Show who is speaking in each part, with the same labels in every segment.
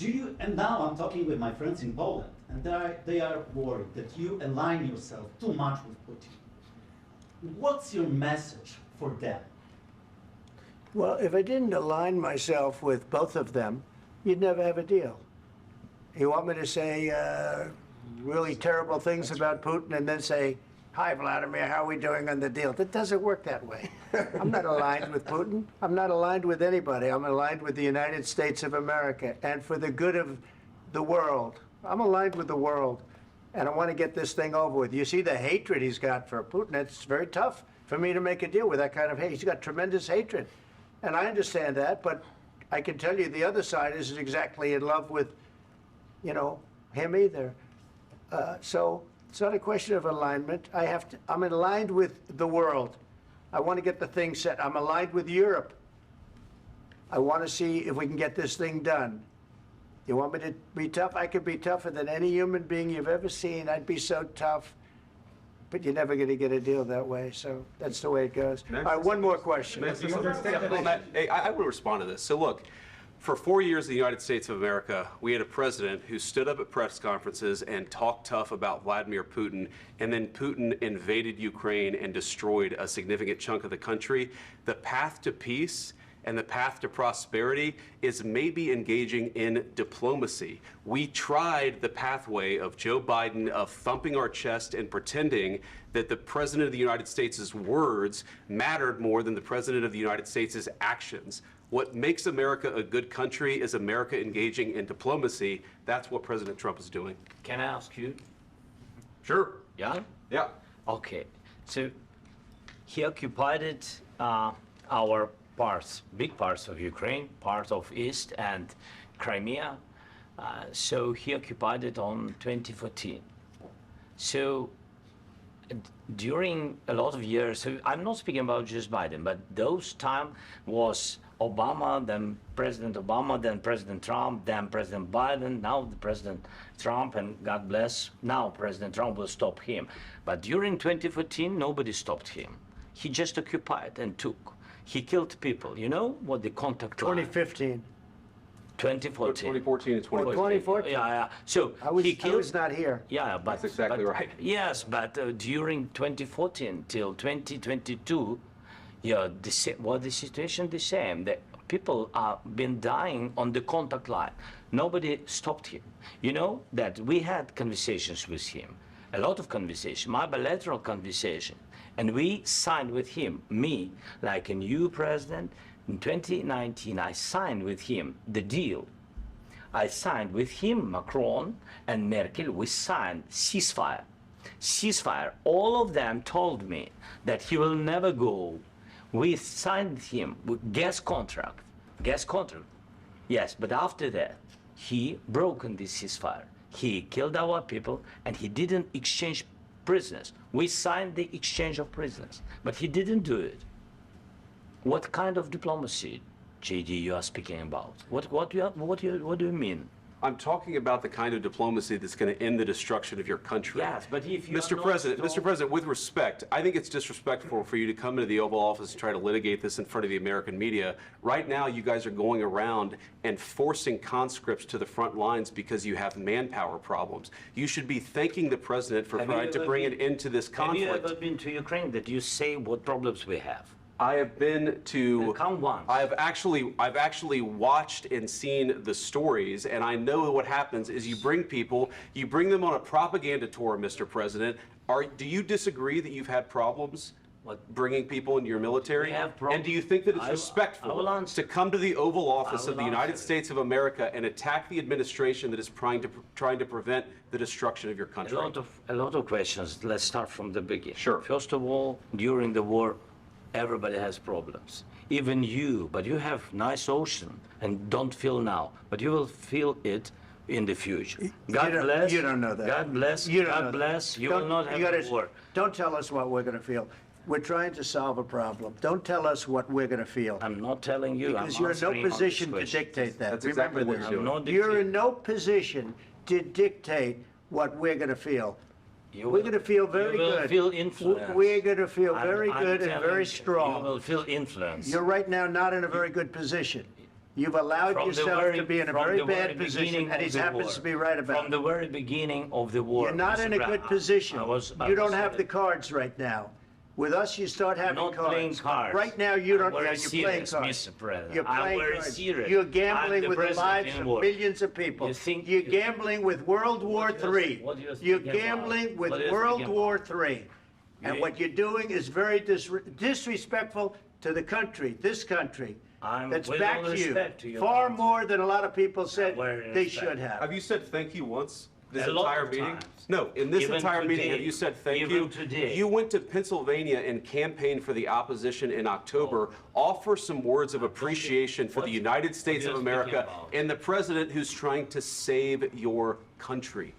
Speaker 1: Do you, and now I'm talking with my friends in Poland, and they are worried that you align yourself too much with Putin. What's your message for them?
Speaker 2: Well, if I didn't align myself with both of them, you'd never have a deal. You want me to say really terrible things about Putin and then say, "Hi, Vladimir, how are we doing on the deal?" That doesn't work that way. I'm not aligned with Putin. I'm not aligned with anybody. I'm aligned with the United States of America and for the good of the world. I'm aligned with the world, and I want to get this thing over with. You see the hatred he's got for Putin. It's very tough for me to make a deal with that kind of hate. He's got tremendous hatred, and I understand that, but I can tell you the other side isn't exactly in love with, you know, him either. So it's not a question of alignment. I'm aligned with the world. I want to get the thing set. I'm aligned with Europe. I want to see if we can get this thing done. You want me to be tough? I could be tougher than any human being you've ever seen. I'd be so tough. But you're never going to get a deal that way. So that's the way it goes. All right, one more question.
Speaker 3: I would respond to this. So look, for 4 years in the United States of America, we had a president who stood up at press conferences and talked tough about Vladimir Putin, and then Putin invaded Ukraine and destroyed a significant chunk of the country. The path to peace and the path to prosperity is maybe engaging in diplomacy. We tried the pathway of Joe Biden of thumping our chest and pretending that the President of the United States' words mattered more than the President of the United States' actions. What makes America a good country is America engaging in diplomacy. That's what President Trump is doing.
Speaker 4: Can I ask you?
Speaker 3: Sure.
Speaker 4: Yeah?
Speaker 3: Yeah.
Speaker 4: Okay. So he occupied our parts, big parts of Ukraine, part of East and Crimea. So he occupied it on 2014. So during a lot of years, so I'm not speaking about just Biden, but those time was Obama, then President Obama, then President Trump, then President Biden, now the President Trump, and God bless, now President Trump will stop him. But during 2014, nobody stopped him. He just occupied and took. He killed people. You know what the contact line?
Speaker 2: 2015.
Speaker 4: 2014.
Speaker 3: 2014 and 2015.
Speaker 2: 2014.
Speaker 4: Yeah. So
Speaker 2: I was
Speaker 4: he killed.
Speaker 2: not here.
Speaker 4: Yeah, but
Speaker 3: That's exactly right.
Speaker 4: Yes, but during 2014 till 2022, yeah, the situation the same. The people are been dying on the contact line. Nobody stopped him. You know that we had conversations with him, a lot of conversation, my bilateral conversation, and we signed with him, me, like a new president. In 2019, I signed with him the deal. I signed with him, Macron and Merkel, we signed ceasefire. Ceasefire. All of them told me that he will never go. We signed him with gas contract. Gas contract. Yes, but after that, he broken this ceasefire. He killed our people and he didn't exchange prisoners. We signed the exchange of prisoners, but he didn't do it. What kind of diplomacy, JD, you are speaking about? What do you mean?
Speaker 3: I'm talking about the kind of diplomacy that's going to end the destruction of your country.
Speaker 4: Yes, but if you
Speaker 3: Mr. President, with respect, I think it's disrespectful for you to come into the Oval Office and try to litigate this in front of the American media. Right now, you guys are going around and forcing conscripts to the front lines because you have manpower problems. You should be thanking the President for trying to bring an end to this conflict.
Speaker 4: Have you ever been to Ukraine that you say what problems we have?
Speaker 3: I have been to.
Speaker 4: Count once.
Speaker 3: I've actually watched and seen the stories, and I know what happens is you bring them on a propaganda tour, Mr. President. Do you disagree that you've had problems bringing people into your military? And do you think that it's respectful to come to the Oval Office of the United States of America and attack the administration that is trying to prevent the destruction of your country?
Speaker 4: A lot of questions. Let's start from the beginning.
Speaker 3: Sure.
Speaker 4: First of all, during the war, everybody has problems, even you, but you have nice ocean and don't feel now, but you will feel it in the future. God bless.
Speaker 2: You don't know that.
Speaker 4: God bless. God bless. You will not have a war.
Speaker 2: Don't tell us what we're going to feel. We're trying to solve a problem. Don't tell us what we're going to feel.
Speaker 4: I'm not telling you.
Speaker 2: Because you're in no position to dictate that.
Speaker 3: That's exactly what you're doing.
Speaker 2: You're in no position to dictate what we're going to feel. We're going to feel very good.
Speaker 4: You will feel influence.
Speaker 2: We're going to feel very good and very strong.
Speaker 4: You will feel influence.
Speaker 2: You're right now not in a very good position. You've allowed
Speaker 4: From the
Speaker 2: yourself
Speaker 4: very-
Speaker 2: to be in a
Speaker 4: from
Speaker 2: very
Speaker 4: the very
Speaker 2: bad position,
Speaker 4: beginning
Speaker 2: and he
Speaker 4: of the
Speaker 2: happens
Speaker 4: war.
Speaker 2: to be right about
Speaker 4: From
Speaker 2: it.
Speaker 4: the very beginning of the war.
Speaker 2: You're not
Speaker 4: Mr.
Speaker 2: in a
Speaker 4: Brown,
Speaker 2: good position.
Speaker 4: I
Speaker 2: You don't
Speaker 4: was,
Speaker 2: have the cards right now. With us, you start having
Speaker 4: not
Speaker 2: cards.
Speaker 4: playing cards.
Speaker 2: Right now, you don't.
Speaker 4: I'm very
Speaker 2: Yeah, you're playing
Speaker 4: serious,
Speaker 2: cards.
Speaker 4: Mr. President.
Speaker 2: You're
Speaker 4: I'm
Speaker 2: playing
Speaker 4: very
Speaker 2: cards.
Speaker 4: serious.
Speaker 2: You're
Speaker 4: I'm
Speaker 2: gambling
Speaker 4: the
Speaker 2: with the
Speaker 4: president
Speaker 2: lives
Speaker 4: in
Speaker 2: of
Speaker 4: war.
Speaker 2: millions of people.
Speaker 4: You think-
Speaker 2: You're gambling with World War
Speaker 4: What do you-
Speaker 2: III.
Speaker 4: what do you
Speaker 2: You're
Speaker 4: think about?
Speaker 2: gambling with
Speaker 4: What do you
Speaker 2: World
Speaker 4: think
Speaker 2: War
Speaker 4: about?
Speaker 2: III. And
Speaker 4: You-
Speaker 2: what you're doing is very disrespectful to the country, this country.
Speaker 4: I'm
Speaker 2: That's
Speaker 4: with
Speaker 2: back
Speaker 4: all
Speaker 2: to you.
Speaker 4: respect to your
Speaker 2: Far
Speaker 4: country.
Speaker 2: more than a lot of people said
Speaker 4: Very
Speaker 2: they
Speaker 4: respect.
Speaker 2: should have.
Speaker 3: Have you said thank you once this
Speaker 4: A lot
Speaker 3: entire
Speaker 4: of
Speaker 3: meeting?
Speaker 4: times.
Speaker 3: No, in this
Speaker 4: Even
Speaker 3: entire meeting,
Speaker 4: today.
Speaker 3: have you said thank
Speaker 4: Even
Speaker 3: you?
Speaker 4: today.
Speaker 3: You went to Pennsylvania and campaigned for the opposition in October. Offer some words of appreciation for
Speaker 4: what-
Speaker 3: the United States
Speaker 4: what
Speaker 3: of
Speaker 4: are you speaking
Speaker 3: America
Speaker 4: about?
Speaker 3: and the president who's trying to save your country.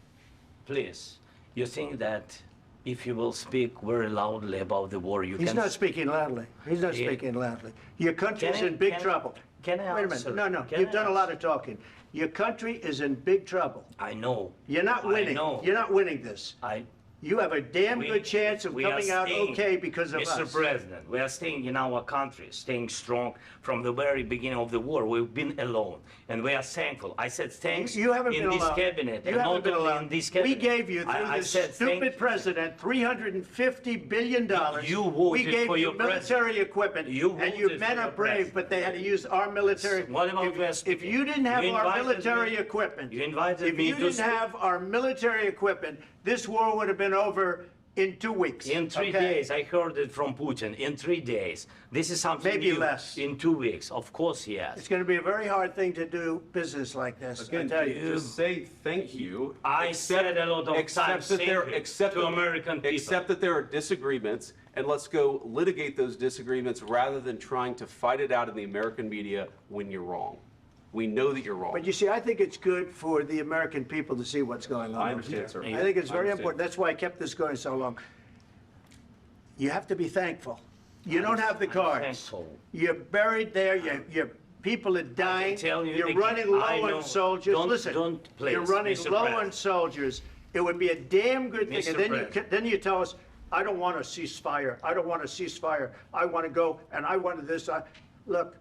Speaker 4: Please, you think that if you will speak very loudly about the war, you
Speaker 2: He's
Speaker 4: can...
Speaker 2: not speaking loudly. He's not
Speaker 4: Yeah.
Speaker 2: speaking loudly. Your country's
Speaker 4: Can I-
Speaker 2: in big
Speaker 4: can I-
Speaker 2: trouble.
Speaker 4: can I
Speaker 2: Wait a
Speaker 4: answer?
Speaker 2: minute. No,
Speaker 4: Can
Speaker 2: you've
Speaker 4: I
Speaker 2: done a lot
Speaker 4: answer?
Speaker 2: of talking. Your country is in big trouble.
Speaker 4: I know.
Speaker 2: You're not
Speaker 4: I
Speaker 2: winning.
Speaker 4: know.
Speaker 2: You're not winning this. You have a damn good chance of
Speaker 4: we are
Speaker 2: coming out
Speaker 4: staying-
Speaker 2: okay because of
Speaker 4: Mr.
Speaker 2: us.
Speaker 4: President, we are staying in our country, staying strong from the very beginning of the war. We've been alone, and we are thankful. I said thanks
Speaker 2: You haven't
Speaker 4: in
Speaker 2: been
Speaker 4: this
Speaker 2: alone.
Speaker 4: cabinet,
Speaker 2: You
Speaker 4: and
Speaker 2: haven't
Speaker 4: not
Speaker 2: been
Speaker 4: only
Speaker 2: alone.
Speaker 4: in this
Speaker 2: We
Speaker 4: cabinet.
Speaker 2: gave you, through
Speaker 4: I
Speaker 2: this
Speaker 4: said thank
Speaker 2: stupid
Speaker 4: you.
Speaker 2: president, $350 billion.
Speaker 4: You
Speaker 2: We
Speaker 4: voted
Speaker 2: gave
Speaker 4: for
Speaker 2: you
Speaker 4: your
Speaker 2: military
Speaker 4: president.
Speaker 2: equipment,
Speaker 4: You
Speaker 2: and your
Speaker 4: voted
Speaker 2: men
Speaker 4: for
Speaker 2: are
Speaker 4: your
Speaker 2: brave,
Speaker 4: president.
Speaker 2: but they had to use our military.
Speaker 4: What about West?
Speaker 2: If you didn't have
Speaker 4: You
Speaker 2: our
Speaker 4: invited
Speaker 2: military
Speaker 4: me-
Speaker 2: equipment,
Speaker 4: you invited
Speaker 2: if
Speaker 4: me
Speaker 2: you
Speaker 4: to
Speaker 2: didn't
Speaker 4: speak.
Speaker 2: have our military equipment, this war would have been over in 2 weeks.
Speaker 4: In 3
Speaker 2: okay?
Speaker 4: days, I heard it from Putin. In 3 days, this is something
Speaker 2: Maybe
Speaker 4: new.
Speaker 2: less.
Speaker 4: In 2 weeks, of course, yes.
Speaker 2: It's going to be a very hard thing to do business like this. I
Speaker 3: Again,
Speaker 2: tell you.
Speaker 3: just say thank you.
Speaker 4: I said a lot of
Speaker 3: accept
Speaker 4: times
Speaker 3: that
Speaker 4: thank
Speaker 3: there-
Speaker 4: you
Speaker 3: accept
Speaker 4: to
Speaker 3: that-
Speaker 4: American people.
Speaker 3: Accept that there are disagreements, and let's go litigate those disagreements rather than trying to fight it out in the American media when you're wrong. We know that you're wrong.
Speaker 2: But you see, I think it's good for the American people to see what's going on.
Speaker 3: I
Speaker 2: over
Speaker 3: understand,
Speaker 2: here.
Speaker 3: sir.
Speaker 2: I think it's
Speaker 3: I
Speaker 2: very
Speaker 3: understand.
Speaker 2: important. That's why I kept this going so long. You have to be thankful. You don't have the
Speaker 4: I'm
Speaker 2: cards.
Speaker 4: thankful.
Speaker 2: You're buried there. Your people are dying.
Speaker 4: tell you
Speaker 2: You're
Speaker 4: again,
Speaker 2: running low
Speaker 4: I know.
Speaker 2: on soldiers.
Speaker 4: Don't-
Speaker 2: Listen,
Speaker 4: don't, please,
Speaker 2: you're running
Speaker 4: Mr.
Speaker 2: low on
Speaker 4: President.
Speaker 2: soldiers. It would be a damn good thing.
Speaker 4: Mr.
Speaker 2: And then
Speaker 4: President.
Speaker 2: then you tell us, I don't want a ceasefire. I don't want a ceasefire. I want to go and I wanted this. Look,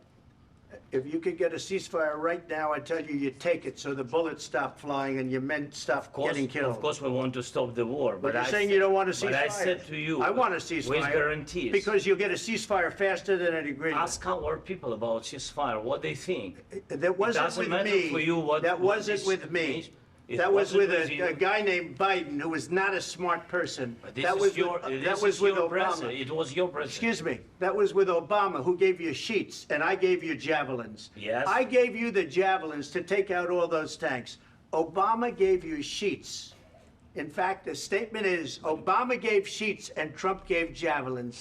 Speaker 2: if you could get a ceasefire right now, I tell you, you take it so the bullets stop flying and your men stop getting killed.
Speaker 4: Of course, we want to stop the war.
Speaker 2: But you're
Speaker 4: I
Speaker 2: saying
Speaker 4: said-
Speaker 2: you don't want a ceasefire.
Speaker 4: But I said to you,
Speaker 2: I want a ceasefire.
Speaker 4: with guarantees.
Speaker 2: Because you'll get a ceasefire faster than an agreement.
Speaker 4: Ask our people about ceasefire, what they think.
Speaker 2: That wasn't
Speaker 4: doesn't
Speaker 2: with
Speaker 4: matter
Speaker 2: me.
Speaker 4: for you what-
Speaker 2: That
Speaker 4: what
Speaker 2: wasn't
Speaker 4: this
Speaker 2: with me.
Speaker 4: means. It
Speaker 2: That was
Speaker 4: wasn't
Speaker 2: with
Speaker 4: with you.
Speaker 2: a guy named Biden, who was not a smart person.
Speaker 4: But this
Speaker 2: That
Speaker 4: is
Speaker 2: was
Speaker 4: your,
Speaker 2: with,
Speaker 4: this
Speaker 2: that was
Speaker 4: is
Speaker 2: with
Speaker 4: your
Speaker 2: Obama.
Speaker 4: president. It was your president.
Speaker 2: Excuse me. That was with Obama, who gave you sheets, and I gave you javelins.
Speaker 4: Yes.
Speaker 2: I gave you the javelins to take out all those tanks. Obama gave you sheets. In fact, the statement is Obama gave sheets and Trump gave javelins.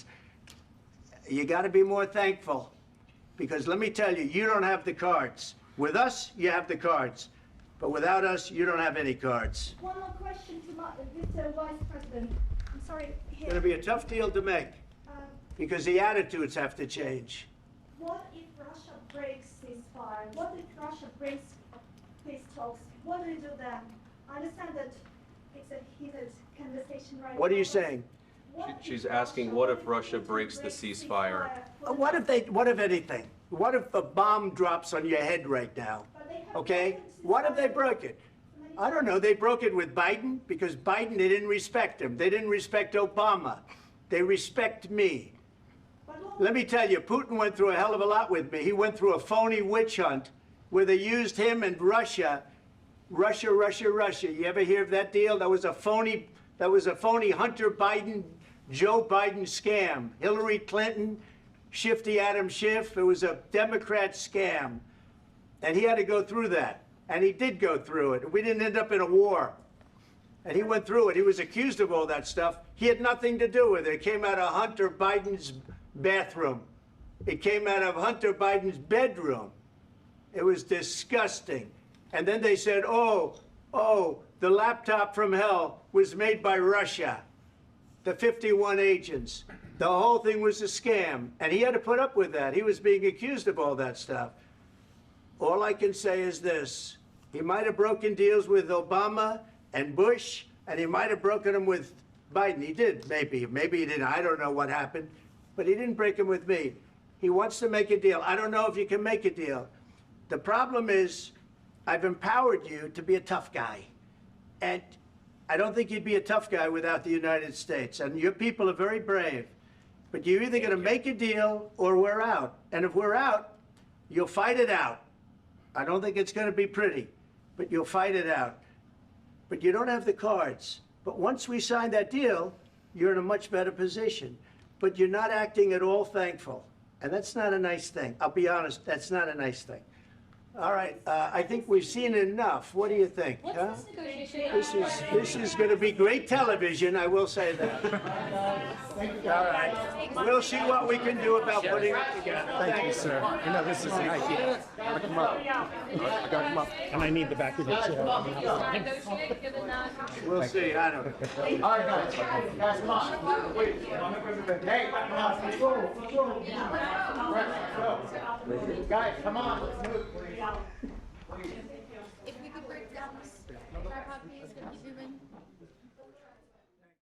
Speaker 2: You got to be more thankful, because let me tell you, you don't have the cards. With us, you have the cards. But without us, you don't have any cards.
Speaker 5: One more question to Mr. Vice President. I'm sorry.
Speaker 2: It's going to be a tough deal to make, because the attitudes have to change.
Speaker 5: What if Russia breaks ceasefire? What if Russia breaks peace talks? What do you do then? I understand that it's a heated conversation right now.
Speaker 2: What are you
Speaker 5: but
Speaker 2: saying?
Speaker 5: what if
Speaker 3: She's asking, what if Russia breaks the ceasefire?
Speaker 5: for the
Speaker 2: What if anything? What if a bomb drops on your head right now?
Speaker 5: But they have
Speaker 2: Okay?
Speaker 5: broken
Speaker 2: What if they
Speaker 5: ceasefire
Speaker 2: broke it?
Speaker 5: many
Speaker 2: I don't know. They broke it with Biden because Biden, they didn't respect him. They didn't respect Obama. They respect me.
Speaker 5: But what-
Speaker 2: Let me tell you, Putin went through a hell of a lot with me. He went through a phony witch hunt where they used him and Russia. Russia. You ever hear of that deal? That was a phony Hunter Biden, Joe Biden scam. Hillary Clinton, Shifty Adam Schiff. It was a Democrat scam. And he had to go through that. And he did go through it. We didn't end up in a war. And he went through it. He was accused of all that stuff. He had nothing to do with it. It came out of Hunter Biden's bathroom. It came out of Hunter Biden's bedroom. It was disgusting. And then they said, oh, the laptop from hell was made by Russia. The 51 agents. The whole thing was a scam. And he had to put up with that. He was being accused of all that stuff. All I can say is this. He might have broken deals with Obama and Bush, and he might have broken them with Biden. He did, maybe. Maybe he didn't. I don't know what happened. But he didn't break them with me. He wants to make a deal. I don't know if you can make a deal. The problem is, I've empowered you to be a tough guy. And I don't think you'd be a tough guy without the United States. And your people are very brave. But you're either going to make a deal or we're out. And if we're out, you'll fight it out. I don't think it's going to be pretty, but you'll fight it out. But you don't have the cards. But once we sign that deal, you're in a much better position. But you're not acting at all thankful. And that's not a nice thing. I'll be honest, that's not a nice thing. All right, I think we've seen enough. What do you think? Huh? This is going to be great television, I will say that. All right, we'll see what we can do about putting it together.
Speaker 6: Thank you, sir. You know, this is an idea. I come up. I gotta come up. And I need the back of the chair.
Speaker 7: Negotiate, given that.
Speaker 2: We'll see, I don't know.
Speaker 6: All right, guys, come on. Wait. Hey, come on. Let's go. Let's go. Guys, come on. Let's move.
Speaker 7: If we could break down this tripod piece, would you zoom in?